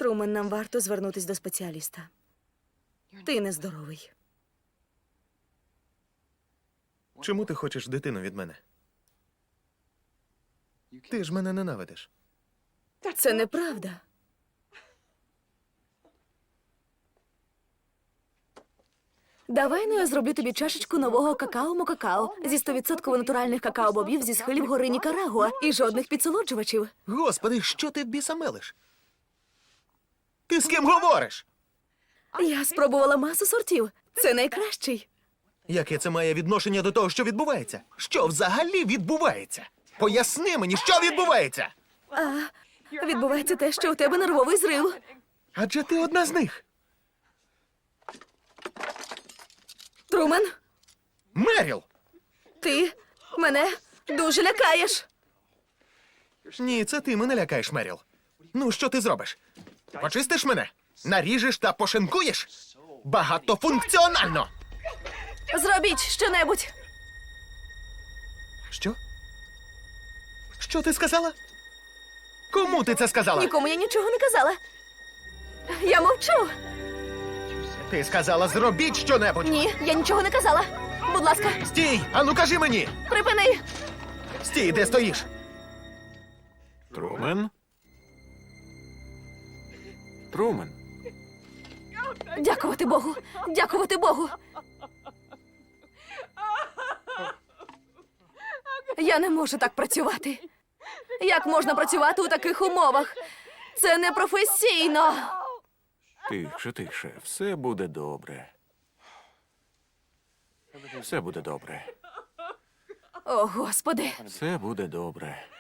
Трумен, нам варто звернутись до спеціаліста. Ти нездоровий. Чому ти хочеш дитину від мене? Ти ж мене ненавидиш. Це неправда. Давай, ну я зроблю тобі чашечку нового какао-мокакао зі 100% натуральних какао-бобів зі схилів гори Нікарагуа і жодних підсолоджувачів. Господи, що ти в біса мелиш? Ти з ким говориш? Я спробувала масу сортів. Це найкращий. Яке це має відношення до того, що відбувається? Що взагалі відбувається? Поясни мені, що відбувається? Відбувається те, що у тебе нервовий зрив. Адже ти одна з них. Трумен, Меріл! ти мене дуже лякаєш. Ні, це ти мене лякаєш, Меріл. Ну, що ти зробиш? Почистиш мене? Наріжеш та пошинкуєш? Багатофункціонально! Зробіть щонебудь. Що? Що ти сказала? Кому ти це сказала? Нікому я нічого не казала. Я мовчу. Ти сказала, зробіть щонебудь! Ні, я нічого не казала. Будь ласка, Стій! Ану кажи мені! припини. Стій, де стоїш? Трумен? Трумен? Дякувати Богу. Дякувати Богу. Я не можу так працювати. Як можна працювати у таких умовах? Це непрофесійно. Тихше, тихше. Все буде добре. Все буде добре. О, Господи. Все буде добре.